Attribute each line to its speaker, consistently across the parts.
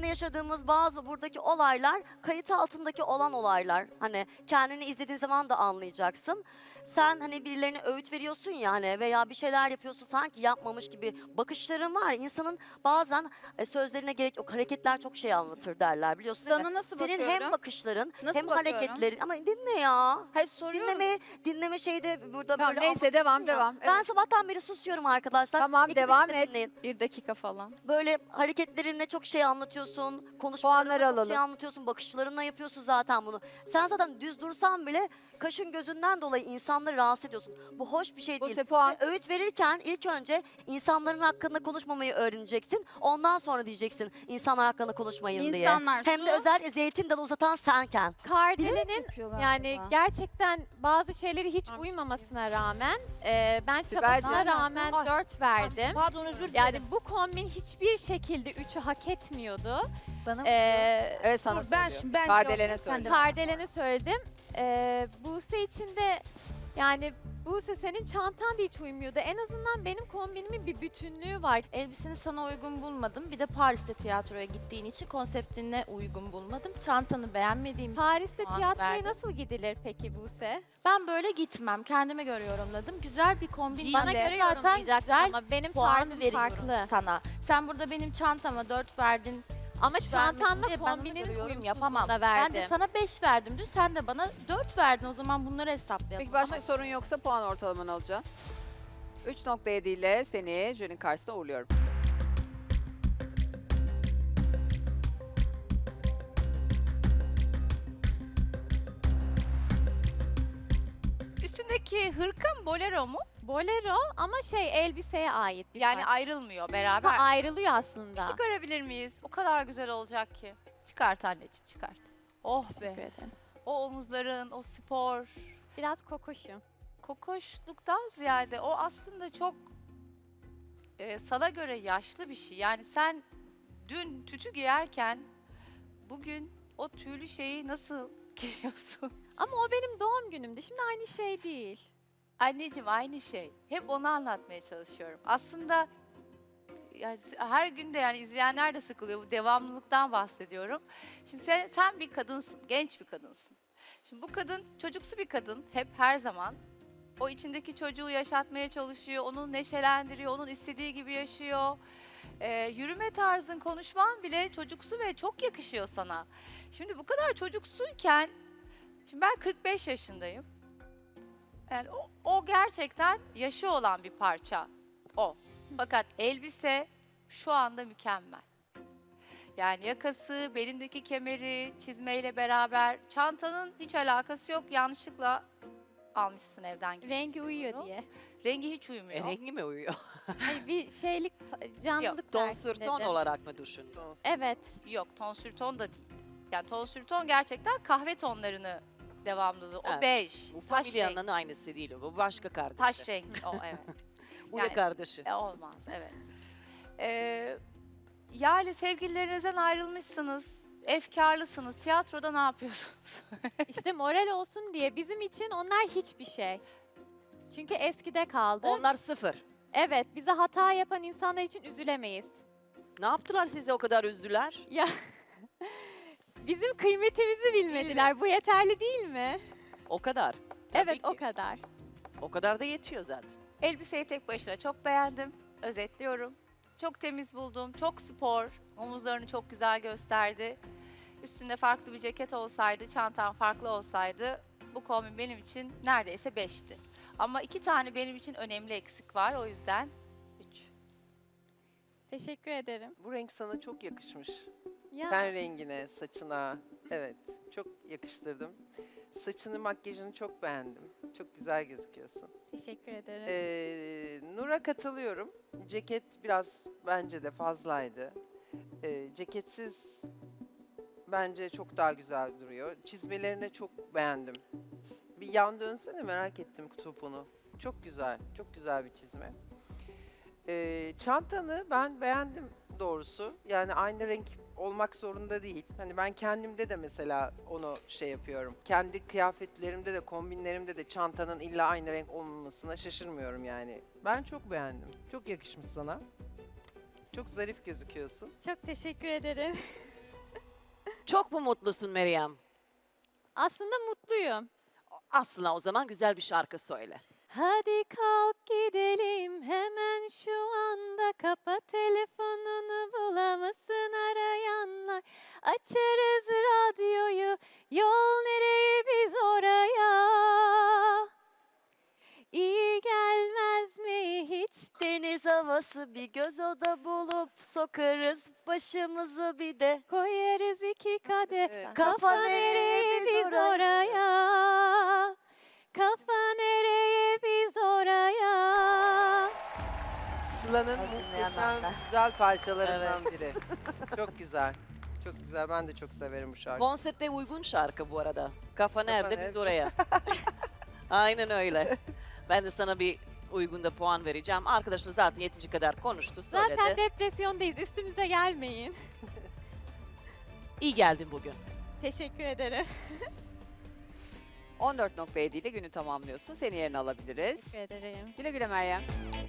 Speaker 1: yaşadığımız bazı buradaki olaylar kayıt altındaki olan olaylar. Hani kendini izlediğin zaman da anlayacaksın. Sen hani birilerine öğüt veriyorsun ya hani veya bir şeyler yapıyorsun sanki yapmamış gibi bakışların var. İnsanın bazen sözlerine gerek yok. Hareketler çok şey anlatır derler biliyorsun değil mi?
Speaker 2: Sana nasıl
Speaker 1: Senin
Speaker 2: bakıyorum?
Speaker 1: hem bakışların
Speaker 2: Nasıl
Speaker 1: hem
Speaker 2: bakıyorum?
Speaker 1: hareketlerin ama dinle ya.
Speaker 2: Hayır soruyorum.
Speaker 1: Dinleme şeyde burada
Speaker 3: Tamam
Speaker 1: böyle
Speaker 3: neyse devam
Speaker 1: ya.
Speaker 3: devam.
Speaker 1: Ben
Speaker 3: Evet.
Speaker 1: sabahtan beri susuyorum arkadaşlar.
Speaker 3: Tamam,
Speaker 1: İkiniz
Speaker 3: devam
Speaker 1: de
Speaker 3: et.
Speaker 1: dinleyin.
Speaker 2: 1 dakika falan.
Speaker 1: Böyle hareketlerinle çok şey anlatıyorsun,
Speaker 3: Puanları
Speaker 1: konuşmalarınla çok
Speaker 3: alalım.
Speaker 1: şey anlatıyorsun, bakışlarınla yapıyorsun zaten bunu. Sen zaten düz dursan bile kaşın gözünden dolayı insanları rahatsız ediyorsun. Bu hoş bir şey değil.
Speaker 3: Buse puan.
Speaker 1: Ve öğüt verirken ilk önce insanların hakkında konuşmamayı öğreneceksin. Ondan sonra diyeceksin insanlar hakkında konuşmayın diye.
Speaker 2: İnsanlar
Speaker 1: Hem de
Speaker 2: su.
Speaker 1: özellikle zeytin dalı uzatan senken.
Speaker 4: Kardele'nin
Speaker 2: Yapıyorlar
Speaker 4: yani
Speaker 2: galiba.
Speaker 4: gerçekten bazı şeyleri hiç uymamasına rağmen ben
Speaker 3: Sibel'cim.
Speaker 4: çabasına rağmen
Speaker 5: Ay.
Speaker 4: 4 verdim.
Speaker 5: Pardon özür dilerim.
Speaker 4: Yani bu kombin hiçbir şekilde 3'ü hak etmiyordu.
Speaker 2: Bana mı?
Speaker 3: Evet sana
Speaker 5: Dur, ben
Speaker 3: söylüyor.
Speaker 5: şimdi ben
Speaker 3: Kardelen'e
Speaker 5: sen
Speaker 3: söyle.
Speaker 5: de.
Speaker 4: Kardelen'e söyledim. Buse için de yani Buse senin çantan da hiç uymuyordu. En azından benim kombinimin bir bütünlüğü var.
Speaker 5: Elbiseni sana uygun bulmadım. Bir de Paris'te tiyatroya gittiğin için konseptine uygun bulmadım. Çantanı beğenmediğim için
Speaker 4: Paris'te
Speaker 5: puan
Speaker 4: tiyatroya
Speaker 5: verdim.
Speaker 4: nasıl gidilir peki Buse?
Speaker 5: Ben böyle gitmem. Kendime göre yorumladım. Güzel bir kombin.
Speaker 4: Bana
Speaker 5: Ben de
Speaker 4: göre
Speaker 5: zaten
Speaker 4: yorumlayacaksın
Speaker 5: güzel
Speaker 4: ama benim
Speaker 5: puan
Speaker 4: tarzım
Speaker 5: veriyorum
Speaker 4: farklı.
Speaker 5: sana. Sen burada benim çantama 4 verdin.
Speaker 4: Ama
Speaker 5: üç vermedin
Speaker 4: çantanla
Speaker 5: diye ben buna
Speaker 4: kombinin
Speaker 5: göre yorum
Speaker 4: uyumsuzluğuna
Speaker 5: yapamam.
Speaker 4: verdim.
Speaker 5: Ben de sana 5 verdim dün. Sen de bana 4 verdin. O zaman bunları hesaplayalım.
Speaker 3: Peki başka sorun yoksa puan ortalamanı alacağım. 3.7 ile seni jürinin karşısına uğurluyorum.
Speaker 6: Üstündeki hırka bolero mu?
Speaker 4: Bolero ama elbiseye ait bir
Speaker 6: Yani
Speaker 4: parça.
Speaker 6: ayrılmıyor
Speaker 4: Ha,
Speaker 6: beraber.
Speaker 4: ayrılıyor aslında.
Speaker 6: Çıkarabilir miyiz? O kadar güzel olacak ki. Çıkart anneciğim çıkart. Oh
Speaker 4: Teşekkür
Speaker 6: be.
Speaker 4: ederim.
Speaker 6: O omuzların, o spor.
Speaker 4: Biraz kokoşum.
Speaker 6: Kokoşluktan ziyade o aslında çok sana göre yaşlı bir şey. Yani sen dün tütü giyerken bugün o tüylü şeyi nasıl giyiyorsun?
Speaker 4: Ama o benim doğum günümdü. Şimdi aynı şey değil.
Speaker 6: Anneciğim aynı şey. Hep onu anlatmaya çalışıyorum. Aslında yani her gün de yani izleyenler de sıkılıyor. Bu devamlılıktan bahsediyorum. Şimdi sen bir kadınsın, genç bir kadınsın. Şimdi bu kadın çocuksu bir kadın hep her zaman. O içindeki çocuğu yaşatmaya çalışıyor, onu neşelendiriyor, onun istediği gibi yaşıyor. Yürüme tarzın, konuşman bile çocuksu ve çok yakışıyor sana. Şimdi bu kadar çocuksuyken, şimdi ben 45 yaşındayım. Yani o gerçekten yaşı olan bir parça o. Fakat elbise şu anda mükemmel. Yani yakası, belindeki kemeri, çizmeyle beraber çantanın hiç alakası yok. Yanlışlıkla almışsın evden gibi.
Speaker 4: Rengi uyuyor diye.
Speaker 6: Rengi hiç uymuyor.
Speaker 7: Rengi mi uyuyor?
Speaker 4: Hayır, bir canlılık
Speaker 7: Ton
Speaker 4: versin
Speaker 7: sür ton
Speaker 4: dedim.
Speaker 7: olarak mı düşündün?
Speaker 4: Evet.
Speaker 6: Yok, tonsür ton da değil. Yani tonsür ton gerçekten kahve tonlarını devamlılığı. O
Speaker 7: Evet.
Speaker 6: bej,
Speaker 7: Bu
Speaker 6: taş rengi.
Speaker 7: familyanın aynısı değil o. Bu başka kardeşi.
Speaker 6: Taş rengi o evet.
Speaker 7: Bu
Speaker 6: yani-
Speaker 7: ne kardeşi?
Speaker 6: Olmaz evet. Yani sevgililerinizden ayrılmışsınız. Efkarlısınız. Tiyatroda ne yapıyorsunuz?
Speaker 4: İşte moral olsun diye bizim için onlar hiçbir şey. Çünkü eskide kaldı.
Speaker 7: Onlar sıfır.
Speaker 4: Evet, bize hata yapan insanlar için üzülemeyiz.
Speaker 7: Ne yaptılar size o kadar üzdüler?
Speaker 4: Ya bizim kıymetimizi bilmediler. Bu yeterli değil mi?
Speaker 7: O kadar. Tabii
Speaker 4: Evet,
Speaker 7: ki.
Speaker 4: o kadar.
Speaker 7: O kadar da yetiyor zaten.
Speaker 6: Elbiseyi tek başına çok beğendim. Özetliyorum. Çok temiz buldum. Çok spor. Omuzlarını çok güzel gösterdi. Üstünde farklı bir ceket olsaydı, çantan farklı olsaydı bu kombin benim için neredeyse 5'ti. Ama 2 tane benim için önemli eksik var. O yüzden 3.
Speaker 4: Teşekkür ederim.
Speaker 8: Bu renk sana çok yakışmış.
Speaker 4: Ya
Speaker 8: Ten rengine, saçına. Evet, çok yakıştırdım. Saçını, makyajını çok beğendim. Çok güzel gözüküyorsun.
Speaker 4: teşekkür ederim.
Speaker 8: Nur'a katılıyorum. Ceket biraz bence de fazlaydı. Ceketsiz bence çok daha güzel duruyor. Çizmelerini çok beğendim. Bir yan dönsene, merak ettim topunu. Çok güzel, çok güzel bir çizme. Çantanı ben beğendim doğrusu. Yani aynı renk olmak zorunda değil. Hani ben kendimde de mesela onu şey yapıyorum. Kendi kıyafetlerimde de, kombinlerimde de çantanın illa aynı renk olmamasına şaşırmıyorum yani. Ben çok beğendim. Çok yakışmış sana. Çok zarif gözüküyorsun.
Speaker 4: Çok teşekkür ederim.
Speaker 7: Çok mu mutlusun Meryem?
Speaker 4: Aslında mutluyum.
Speaker 7: Aslında o zaman güzel bir şarkı söyle.
Speaker 4: Hadi kalk gidelim hemen şu anda, kapa telefonunu, bulamasın arayanlar. Açarız radyoyu, yol nereye biz oraya. İyi gelmez mi hiç?
Speaker 1: Deniz havası bir göz oda bulup sokarız başımızı bir de.
Speaker 4: Koyarız iki kadeh,
Speaker 8: Evet.
Speaker 4: kafa nereye biz oraya. Kafa nereye biz oraya.
Speaker 8: Sıla'nın
Speaker 1: Hadi
Speaker 8: muhteşem
Speaker 1: dinleyenler.
Speaker 8: güzel parçalarından biri. Çok güzel. Çok güzel. Ben de çok severim bu şarkıyı.
Speaker 7: Konsepte uygun şarkı bu arada. Kafa nerede biz
Speaker 8: nerede?
Speaker 7: oraya. Aynen öyle. Ben de sana bir uygun da puan vereceğim. Arkadaşlar zaten yeterince kadar konuştu, söyledi.
Speaker 4: Zaten depresyondayız, üstümüze gelmeyin.
Speaker 7: İyi geldin bugün.
Speaker 4: Teşekkür ederim.
Speaker 3: 14.7 ile günü tamamlıyorsun. Seni yerine alabiliriz.
Speaker 4: Teşekkür ederim.
Speaker 3: Güle güle Meryem.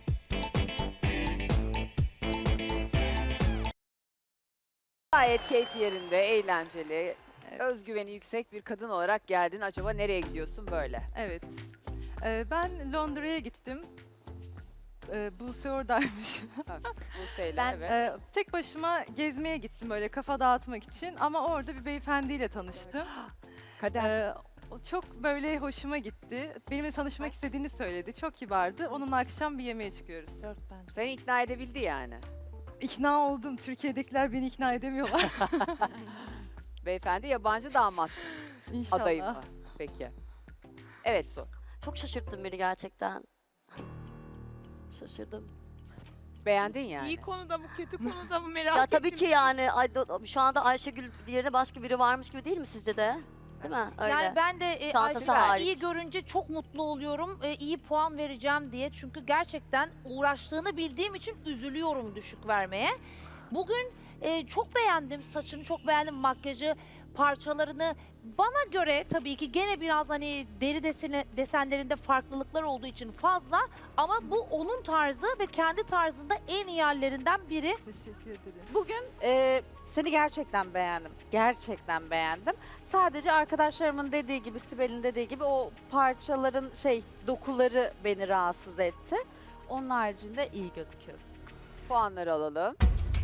Speaker 3: Gayet keyfi yerinde, eğlenceli, özgüveni yüksek bir kadın olarak geldin. Acaba nereye gidiyorsun böyle?
Speaker 2: Evet. Ben Londra'ya gittim. Buse oradaymış.
Speaker 3: Buse'yle,
Speaker 5: Ben-
Speaker 3: evet.
Speaker 2: Tek başıma gezmeye gittim böyle kafa dağıtmak için ama orada bir beyefendiyle tanıştım.
Speaker 3: Kader.
Speaker 2: O çok böyle hoşuma gitti. Benimle tanışmak istediğini söyledi. Çok kibardı. Onunla akşam bir yemeğe çıkıyoruz.
Speaker 3: Seni ikna edebildi yani.
Speaker 2: İkna oldum. Türkiye'dekiler beni ikna edemiyorlar.
Speaker 3: Beyefendi yabancı damat
Speaker 2: İnşallah.
Speaker 3: adayı mı? Peki. Evet Su.
Speaker 1: Çok şaşırttın beni gerçekten. Şaşırdım.
Speaker 3: Beğendin yani.
Speaker 9: İyi konuda mı kötü konuda mı merak
Speaker 1: Ya
Speaker 9: ettim.
Speaker 1: tabii ki yani şu anda Ayşegül yerine başka biri varmış gibi değil mi sizce de? Değil mi? Öyle.
Speaker 10: Yani ben de
Speaker 1: Çantası
Speaker 10: Ayşegül'ü
Speaker 1: hariç.
Speaker 10: iyi görünce çok mutlu oluyorum. İyi puan vereceğim diye. Çünkü gerçekten uğraştığını bildiğim için üzülüyorum düşük vermeye. Bugün çok beğendim saçını, çok beğendim makyajı, parçalarını. Bana göre tabii ki gene biraz hani deri desenlerinde farklılıklar olduğu için fazla. Ama bu onun tarzı ve kendi tarzında en iyi yerlerinden biri.
Speaker 2: Teşekkür ederim.
Speaker 11: Bugün seni gerçekten beğendim. Gerçekten beğendim. Sadece arkadaşlarımın dediği gibi, Sibel'in dediği gibi o parçaların dokuları beni rahatsız etti. Onun haricinde iyi gözüküyorsun.
Speaker 3: Puanları alalım.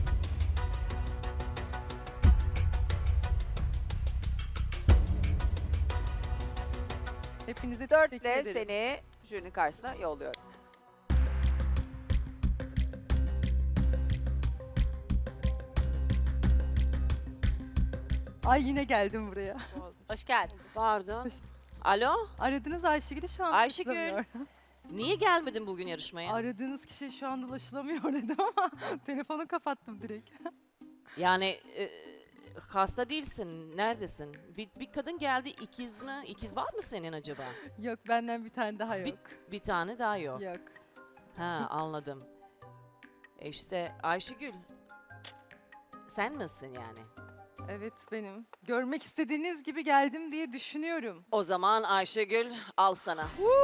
Speaker 2: Hepinize teşekkür
Speaker 3: 4'le
Speaker 2: ederim.
Speaker 3: seni jürinin karşısına yolluyorum.
Speaker 2: Ay yine geldim buraya.
Speaker 10: Hoş geldin.
Speaker 7: Pardon. Alo?
Speaker 2: Aradığınız Ayşegül'ü şu an
Speaker 7: Ayşegül.
Speaker 2: ulaşılamıyor.
Speaker 7: Niye gelmedin bugün yarışmaya?
Speaker 2: Aradığınız kişi şu anda ulaşılamıyor dedim ama telefonu kapattım direkt.
Speaker 7: Yani hasta değilsin. Neredesin? Bir kadın geldi. İkiz mi? İkiz var mı senin acaba?
Speaker 2: Yok benden bir tane daha yok.
Speaker 7: Bir tane daha yok.
Speaker 2: Yok.
Speaker 7: Ha, anladım. İşte Ayşegül. Sen misin yani?
Speaker 2: Evet benim. Görmek istediğiniz gibi geldim diye düşünüyorum.
Speaker 7: O zaman Ayşegül al sana.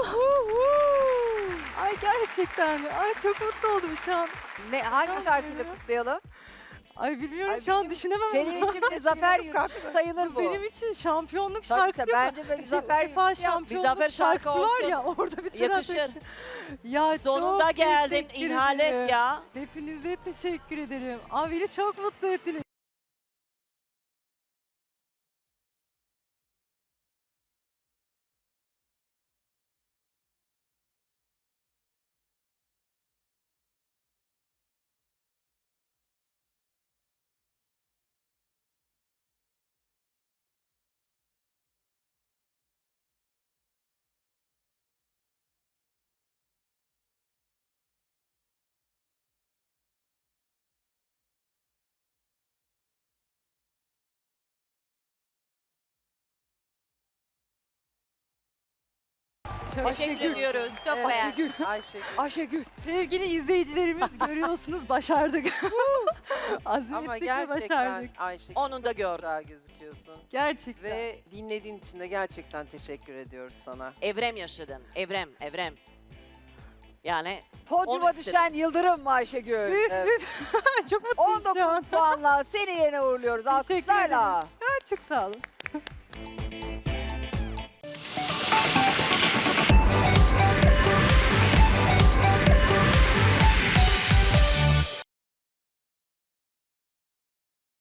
Speaker 2: Ay gerçekten. Ay çok mutlu oldum şu an.
Speaker 3: Hangi şarkıyla kutlayalım?
Speaker 2: Ay bilmiyorum
Speaker 3: Ay,
Speaker 2: şu an düşünemem.
Speaker 3: Senin için bir zafer yürüyüşü sayılır bu.
Speaker 2: Benim için şampiyonluk
Speaker 3: Tabii
Speaker 2: şarkısı
Speaker 3: tabii, bence de bir zafer
Speaker 2: UEFA
Speaker 3: yürüyüşü yap.
Speaker 2: şampiyonluk
Speaker 7: zafer şarkı
Speaker 2: şarkısı var
Speaker 7: olsun.
Speaker 2: ya orada bir tur
Speaker 7: Yakışır.
Speaker 2: atayım. Ya
Speaker 7: Sonunda
Speaker 2: çok
Speaker 7: geldin.
Speaker 2: teşekkür
Speaker 7: İhale
Speaker 2: ederim.
Speaker 7: et ya.
Speaker 2: Hepinize teşekkür ederim. Abi beni çok mutlu ettiniz.
Speaker 7: Teşekkür ediyoruz.
Speaker 10: Çok beğendim.
Speaker 8: Ayşegül.
Speaker 2: Ayşegül. Sevgili izleyicilerimiz görüyorsunuz başardık.
Speaker 8: Ama
Speaker 2: Azmettik ve
Speaker 8: gerçekten
Speaker 2: başardık.
Speaker 8: Ayşegül
Speaker 7: Onu da
Speaker 8: çok
Speaker 7: gördüm.
Speaker 8: güzel gözüküyorsun.
Speaker 2: Gerçekten.
Speaker 8: Ve dinlediğin için de gerçekten teşekkür ediyoruz sana.
Speaker 7: Evrem yaşadın. Evrem. Yani
Speaker 3: Podyuma
Speaker 7: Onu istedim.
Speaker 3: düşen Yıldırım mı Ayşegül?
Speaker 2: Üf,
Speaker 3: Evet.
Speaker 2: üf. Çok mutluyum şu an.
Speaker 3: 19 puanla seni yerine uğurluyoruz
Speaker 2: Teşekkür
Speaker 3: alkışlarla.
Speaker 2: Çok sağ olun.